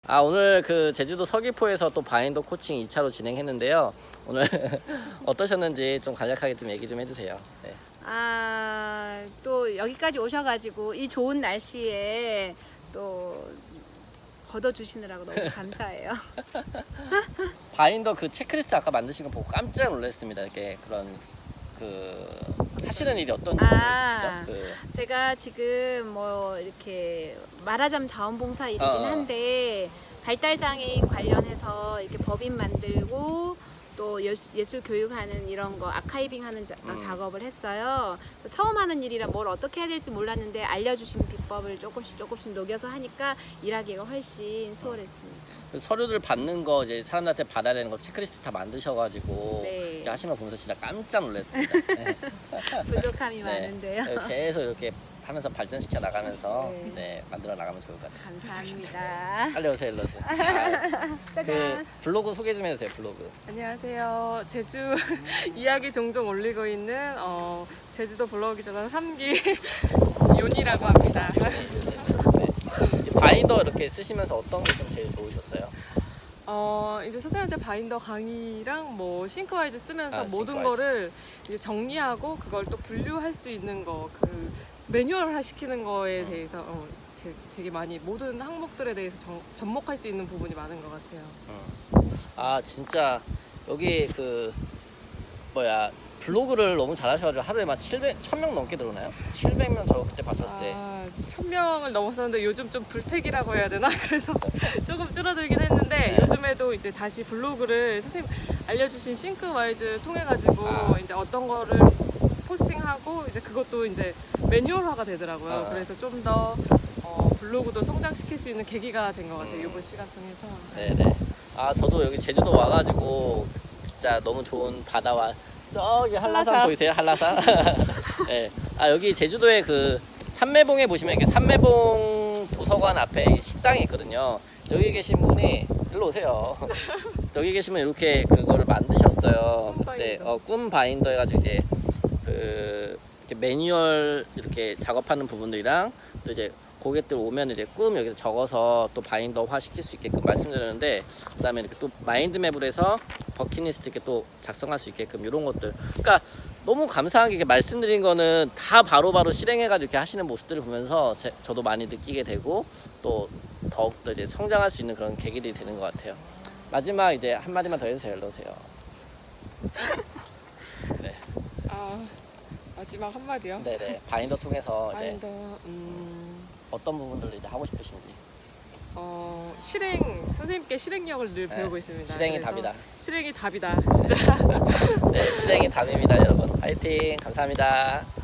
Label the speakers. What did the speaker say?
Speaker 1: 오늘 그 제주도 서귀포에서 또 바인더 코칭 2차로 진행했는데요. 오늘 어떠셨는지 좀 간략하게 좀 얘기 좀 해주세요. 네.
Speaker 2: 또 여기까지 오셔가지고 이 좋은 날씨에 또 걷어주시느라고 너무 감사해요.
Speaker 1: 바인더 그 체크리스트 아까 만드신 거 보고 깜짝 놀랐습니다. 이렇게 그런 하시는 일이 어떤 일이시죠?
Speaker 2: 제가 지금 뭐 이렇게 말하자면 자원봉사 일이긴 한데 발달장애인 관련해서 이렇게 법인 만들고 또 예술 교육하는 이런 거 아카이빙하는 작업을 했어요. 처음 하는 일이라 뭘 어떻게 해야 될지 몰랐는데 알려주신 비법을 조금씩 녹여서 하니까 일하기가 훨씬 수월했습니다.
Speaker 1: 그 서류들 받는 거 이제 사람들한테 받아야 되는 거 체크리스트 다 만드셔가지고
Speaker 2: 네.
Speaker 1: 이렇게 하시는 거 보면서 진짜 깜짝 놀랐습니다. 네.
Speaker 2: 부족함이
Speaker 1: 네.
Speaker 2: 많은데요.
Speaker 1: 계속 이렇게 하면서 발전시켜 나가면서
Speaker 2: 네.
Speaker 1: 만들어 나가면 좋을 것 같아요.
Speaker 2: 감사합니다.
Speaker 1: 빨리 오세요, 일로 오세요.
Speaker 2: 짜잔.
Speaker 1: 블로그 소개 좀 해주세요, 블로그.
Speaker 3: 안녕하세요. 제주 이야기 종종 올리고 있는 제주도 블로그 기자단 3기 윤이라고 합니다.
Speaker 1: 바인더 이렇게 쓰시면서 어떤 게 좀 제일 좋으셨어요?
Speaker 3: 이제 선생님한테 바인더 강의랑 뭐 싱크와이즈 쓰면서 모든
Speaker 1: 싱크와이즈.
Speaker 3: 거를 이제 정리하고 그걸 또 분류할 수 있는 거, 그 매뉴얼화 시키는 거에 대해서 되게 많이 모든 항목들에 대해서 접목할 수 있는 부분이 많은 것 같아요.
Speaker 1: 진짜 여기 블로그를 너무 잘하셔가지고 하루에 막 1000명 넘게 들어오나요? 700명 저 그때 봤었을 때.
Speaker 3: 1000명을 넘었었는데 요즘 좀 불태기라고 해야 되나? 그래서 조금 줄어들긴 했는데 요즘에도 이제 다시 블로그를 선생님 알려주신 싱크와이즈 통해가지고 이제 어떤 거를 포스팅하고 이제 그것도 이제 매뉴얼화가 되더라고요. 그래서 좀 더 블로그도 성장시킬 수 있는 계기가 된 것 같아요. 이번 시간 통해서.
Speaker 1: 네네. 저도 여기 제주도 와가지고 진짜 너무 좋은 바다와 저기 한라산 보이세요? 한라산. 네. 여기 제주도에 그 삼매봉에 보시면 이렇게 삼매봉 도서관 앞에 식당이 있거든요. 여기 계신 분이 일로 오세요. 여기 계시면 이렇게 그거를 만드셨어요. 네, 꿈 바인더 해가지고 이제 이렇게 매뉴얼 이렇게 작업하는 부분들이랑 또 이제 고객들 오면 이제 꿈 여기서 적어서 또 바인더화 시킬 수 있게끔 말씀드렸는데, 그다음에 이렇게 또 마인드맵으로 해서 버킷리스트 이렇게 또 작성할 수 있게끔 이런 것들. 그러니까 너무 감사하게 이렇게 말씀드린 거는 다 바로바로 실행해가지고 이렇게 하시는 모습들을 보면서 저도 많이 느끼게 되고 또 더욱더 이제 성장할 수 있는 그런 계기들이 되는 것 같아요. 마지막 이제 한마디만 더 해주세요. 일로 오세요. 네.
Speaker 3: 마지막 한마디요?
Speaker 1: 네네. 바인더 통해서 이제
Speaker 3: 바인더,
Speaker 1: 어떤 부분들을 이제 하고 싶으신지.
Speaker 3: 선생님께 실행력을 늘 배우고 있습니다.
Speaker 1: 실행이
Speaker 3: 그래서
Speaker 1: 답이다.
Speaker 3: 실행이 답이다, 진짜.
Speaker 1: 네, 실행이 답입니다, 여러분. 화이팅! 감사합니다.